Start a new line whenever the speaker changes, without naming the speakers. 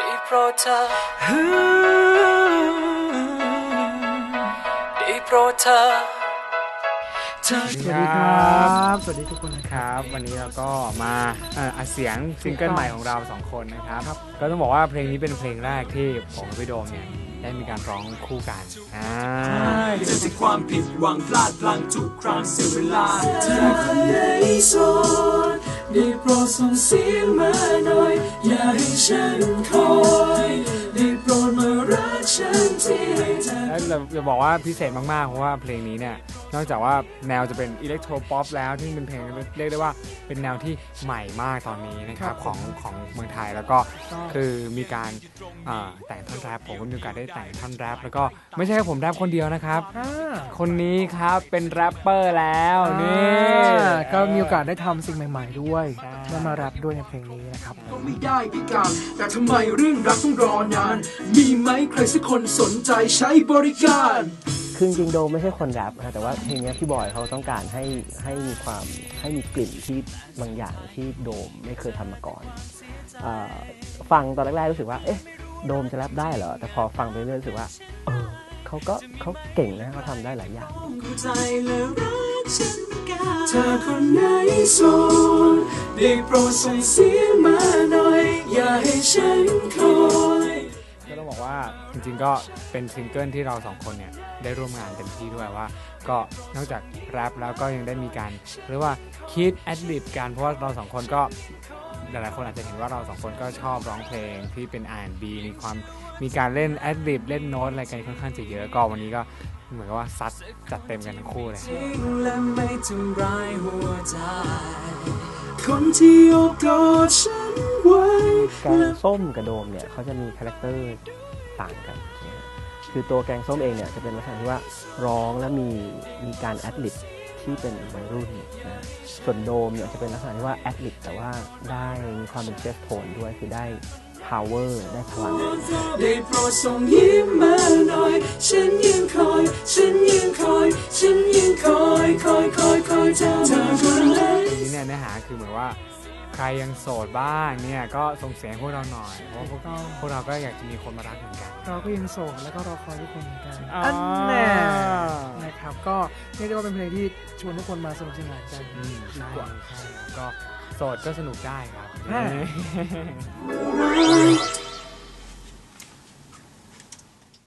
ได้โปรดเธอได้โปรดเธอ
สวัสดีครับสวัสดีทุกคนนะครับ
วันนี้เราก็มาอัดเสียงซิงเกิลใหม่ของเรา2คนนะครับก็ต้องบอกว่าเพลงนี้เป็นเพลงแรกที่ผมกับพี่โดมเนี่ยได้มีการร้องคู่กัน
เจอจากความผิดหวังพลาดพลั้งทุกครั้งเสียเวลา
เธอคนไหนโสดได้โปรดส่งเสียงมาหน่อยอย่าให้ฉันคอยได้โปรดมารักฉันที
แล้วเราจะบอกว่าพิเศษมากๆเพราะว่าเพลงนี้เนี่ยนอกจากว่าแนวจะเป็นอิเล็กโทรป๊อปแล้วที่เป็นเพลงเรียกได้ว่าเป็นแนวที่ใหม่มากตอนนี้นะครับของเมืองไทยแล้วก็คือมีการแต่งท่อนแรปผมก็มีโอกาสได้แต่งท่อนแรปแล้วก็ไม่ใช่แค่ผมแรปคนเดียวนะครับคนนี้ครับเป็นแรปเปอร์แล้วนี่
ก็มีโอกาสได้ทำสิ่งใหม่ๆด้วยได้มาแรปด้วยในเพลงนี้นะครับ
ก็ไม่ได้พิการแต่ทำไมเรื่องรักต้องรอนานมีไหมใครสักคนสนใจใช้บริการ
คือจริงๆโดมไม่ใช่คนแรปนะแต่ว่าเพลงนี้พี่บอยเขาต้องการให้มีความให้มีกลิ่นที่บางอย่างที่โดมไม่เคยทำมาก่อนฟังตอนแรกๆรู้สึกว่าเอ๊ะโดมจะแรปได้เหรอแต่พอฟังไปเรื่อยรู้สึกว่าเขาเก่งนะเขาทำได้หลายอย่าง
เธอคนไหนโสดได้โปรดส่งเสียงมาหน่อยอย่าให้ฉันคอย
ก็ต้องบอกว่าจริงๆก็เป็นซิงเกิลที่เรา2คนเนี่ยได้ร่วมงานเต็มที่ด้วยว่าก็นอกจากแรปแล้วก็ยังได้มีการเรียกว่าคิดแอดลิบกันเพราะว่าเรา2คนก็หลายๆคนอาจจะเห็นว่าเรา2คนก็ชอบร้องเพลงที่เป็น R&B มีการเล่นแอดลิบเล่นโน้ตอะไรกันค่อนข้างจะเยอะก็วันนี้ก็เหมือนกับว่าซัดจัดเต็มกันทั้งคู่เลย
คนที่โอบกอดฉันไว้
แกงส้มกับโดมเนี่ยเขาจะมีคาแรคเตอร์ต่างกันคือตัวแกงส้มเองเนี่ยจะเป็นลักษณะที่ว่าร้องและมีการแอดลิบที่เป็นวัยรุ่นนะส่วนโดมเนี่ยจะเป็นลักษณะที่ว่าแอดลิบแต่ว่าได้มีความเป็นเชฟโทนด้วยคือได้ power ได้พลัง
ได้โปรดส่งยิ้มมาหน่อยฉันยังคอยเธอคนไหน
นี่เนี่ยเนื้อหาคือเหมือนว่าใครยังโสดบ้างเนี่ยก็ส่งเสียงพวกเราหน่อยเพราะพวกเราก็อยากจะมีคนมารักเหมือนกัน
เราก็ยังโสดแล้วก็รอคอยทุกคนเหมือนกันอันแน่นะครับก็เรียกได้ว่าเป็นเพลงที่ชวนทุกคนมาสนุกสนานกันดีกว่า
ก็โสดก็สนุกได้ครับ